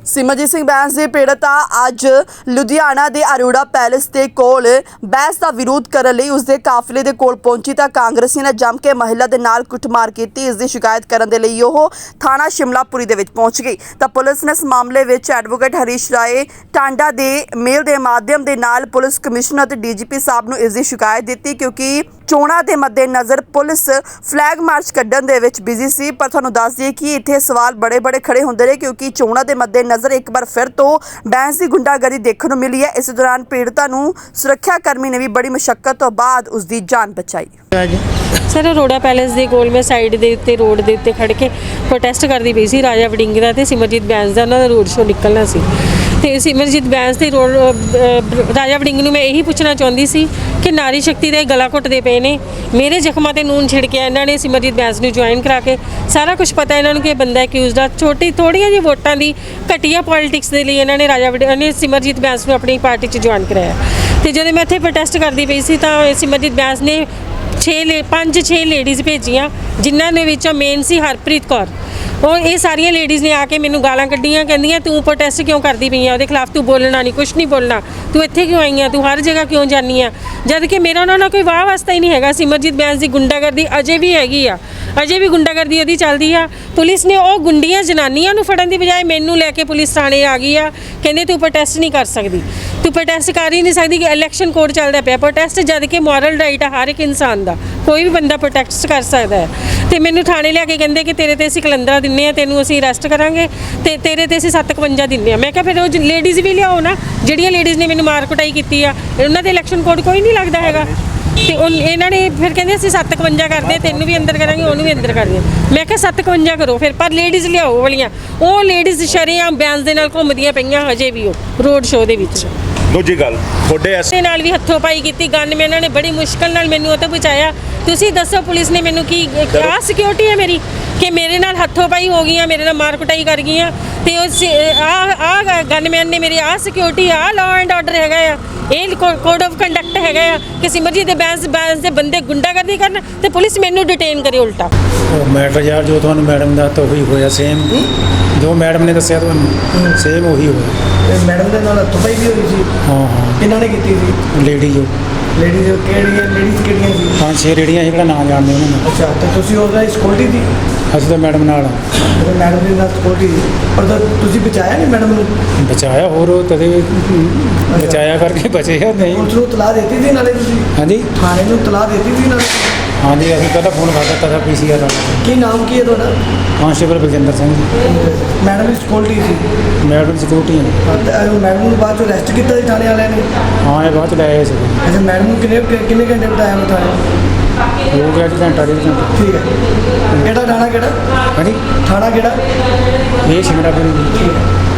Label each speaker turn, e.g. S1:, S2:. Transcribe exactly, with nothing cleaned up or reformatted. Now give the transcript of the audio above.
S1: सिमरजीत सिंह बैंस की पीड़िता अज लुधियाना के अरोड़ा पैलेस के कोल बैंस का विरोध करने लई उसके काफिले के कोल पहुंची तो कांग्रेसी ने जम के महिला के नाल कुटमार की। इसकी शिकायत करने के लिए वह थाना शिमलापुरी के पहुंच गई तो पुलिस ने इस मामले में एडवोकेट हरीश राय टांडा के मेल के माध्यम के नाल पुलिस कमिश्नर ते डी जी पी साहब को इसकी शिकायत दी क्योंकि चोणा के मद्देनज़र पुलिस फ्लैग मार्च कड्ढण दे विच बिजी सी। पर तुहानूं दस दईए कि इत्थे सवाल बड़े बड़े खड़े होंदे रहे क्योंकि चोणा के मद्देनज़र एक बार फिर तो बैंस की गुंडागर्दी देखने को मिली है। इस दौरान पीड़िता नूं सुरक्षा कर्मी ने भी बड़ी मुशक्कत तो बाद उसकी जान बचाई।
S2: सर अरोड़ा पैलेस के कोल मैं साइड के उत्ते रोड के उत्ते खड़ के प्रोटेस्ट करती पई सी। राजा वड़िंग का ते सिमरजीत बैंस का उन्हां दा रोड शो निकलना सी ते सिमरजीत बैंस ते रोड राजा वड़िंग नूं मैं यही पूछना चाहुंदी सी कि नारी शक्ति दे गला घुटदे पे ने। मेरे जख्मां ते नून छिड़किया इन्हां ने सिमरजीत बैंस नूं ज्वाइन करा के सारा कुछ पता इन्हां नूं कि बंदा अक्यूज़ड आ। छोटी थोड़ियां जी वोटां दी घटिया पॉलिटिक्स दे लई इन्हां ने राजा वड़िंग ने सिमरजीत बैंस नूं अपनी पार्टी च ज्वाइन कराया ते जदों मैं इत्थे प्रोटेस्ट करदी पई सी तां सिमरजीत बैंस ने छे ले पाँच छे लेडीज़ भेजियां जिन्हां दे विचों मेन सी हरप्रीत कौर। और ये सारिया लेडीज़ ने आके मैनू गालां कड्डियां कहंदियां तू प्रोटेस्ट क्यों करती पई है, उहदे खिलाफ तू बोलना नहीं, कुछ नहीं बोलना, तू इत्थे क्यों आई है, तू हर जगह क्यों जानी है। जद कि मेरा उन्होंने कोई वाह वास्ता ही नहीं है। सिमरजीत बैंस की गुंडागर्दी अजे भी हैगी आ, अजे भी गुंडागर्दी उहदी चलदी आ। पुलिस ने वो गुंडियां जनानियां नूं फड़न दी बजाय मैनू लैके पुलिस थाने आ गई आ। कहंदे तू प्रोटेस्ट नहीं कर सकती, तू प्रोटेस्ट कर ही नहीं सकती कि इलैक्शन कोड चलदा पिया। प्रोटेस्ट जद कि मॉरल राइट है हर एक इंसान का, कोई भी बंदा प्रोटेस्ट कर सकता है। तो मैनू थाने लिया कहते कि तेरे ते असीं कलंदरा दिन्ने आ, तेनू असीं अरैसट करांगे ते तेरे ते असीं सत्त इकवंजा दिन्ने आ। मैं कहा फिर वो लेडीज़ भी लियाओ ना, जिहड़ियां लेडीज़ ने मैनू मार कुटाई की आ, उन्हां दे इलैक्शन कोड कोई नहीं लगता हैगा। तो इन्हों ने फिर कहते असीं सत्त इकवंजा करते, तेनू भी अंदर करांगे, उन्होंने भी अंदर करदे। मैं कहा सत्त इकवंजा करो फिर, पर लेडीज़ लियाओ वालियां। वो लेडीज़ शरेआम बैंस दे नाल घुमदियां पईयां हजे भी वो रोड शो दे विच।
S3: दूजी गल थोड़े ऐसे
S2: नाल भी हत्थों पाई की गनमैनां ने बड़ी मुश्किल नाल मैनू उत्ते बचाया। तुसीं दसो पुलिस ने मैनू की क्या सिक्योरिटी है मेरी कि मेरे नाल हत्थों पाई हो गई, मेरे नाल मार कुटाई कर गई। तो आ गनमैन ने मेरी आ सिक्योरिटी आ लॉ एंड ऑर्डर हैगा आ, ये कोड ऑफ कंडक्ट हैगा आ कि सिमरजीत दे बैंस बैंस दे बंदे गुंडागर्दी करन ते पुलिस मैनू डिटेन करे उल्टा।
S4: मैटर यार जो तुहानूं मैडम दा तो वही होया सेम जो मैडम ने दस्सिया तुहानूं सेम वही होया।
S5: मैडम दे नाल हत्थों पाई भी होई सी।
S4: हाँ हाँ
S5: किन्हां ने कीती सी?
S4: लेडी जो
S5: लेडीज़ किहड़ियां लेडीज़ किहड़ियां सी?
S4: पाँच छे रेड़ियां जिहड़ा नाम जानदे उन्हां दा।
S5: अच्छा तो तुसीं उसदा सिक्योरिटी दी?
S4: ਅਸੀਂ ਤਾਂ ਮੈਡਮ ਨਾਲ
S5: ਤੇ ਮੈਡਮ ਦੇ ਨਾਲ ਸਿक्योरिटी ਪਰ ਤੁਸੀਂ ਬਚਾਇਆ ਨਹੀਂ ਮੈਡਮ ਨੂੰ?
S4: ਬਚਾਇਆ ਹੋਰ ਤਦੇ ਬਚਾਇਆ ਕਰਕੇ ਬਚੇ ਆ ਨਹੀਂ।
S5: ਪੁਲਿਸ ਨੂੰ ਤਲਾਹ ਦਿੱਤੀ ਸੀ ਨਾਲੇ ਤੁਸੀਂ?
S4: ਹਾਂਜੀ
S5: ਥਾਣੇ ਨੂੰ ਤਲਾਹ ਦਿੱਤੀ ਸੀ ਨਾਲੇ?
S4: ਹਾਂਜੀ ਅਸੀਂ ਪਹਿਲਾਂ ਫੋਨ ਕਰ ਦਿੱਤਾ ਸੀ ਪੀ ਸੀ ਆਰ ਵਾਲਾ।
S5: ਕੀ ਨਾਮ ਕੀ ਹੈ ਤੁਹਾਡਾ?
S4: ਕਾਂਸਟੇਬਲ ਬਲਜਿੰਦਰ ਸਿੰਘ ਜੀ।
S5: ਮੈਡਮ ਦੀ ਸਿक्योरिटी ਸੀ?
S4: ਮੈਡਮ ਸਿਕਿਉਰਿਟੀ ਹੈ।
S5: ਮੈਡਮ ਨੂੰ ਬਾਅਦ ਚੋਂ ਅਰੈਸਟ ਕੀਤਾ ਸੀ ਥਾਣੇ ਵਾਲਿਆਂ ਨੇ?
S4: ਹਾਂ ਇਹ ਬਾਅਦ ਚ ਲੈ ਆਏ ਸੀ।
S5: ਅੱਛਾ ਮੈਡਮ ਨੂੰ ਕਿੰਨੇ ਕਿੰਨੇ ਘੰਟੇ ਬਿਤਾਇਆ ਉਹ ਥਾਣੇ?
S4: ਹੋ ਗਿਆ ਜੀ ਘੰਟਾ ਡੇਢ ਘੰਟਾ।
S5: ਠੀਕ ਹੈ। ਕਿਹੜਾ ਥਾਣਾ ਕਿਹੜਾ?
S4: ਹਾਂਜੀ
S5: ਥਾਣਾ ਕਿਹੜਾ?
S4: ਇਹ ਸ਼ਿਮਲਾਪੁਰੀ ਜੀ।
S5: ਠੀਕ ਹੈ।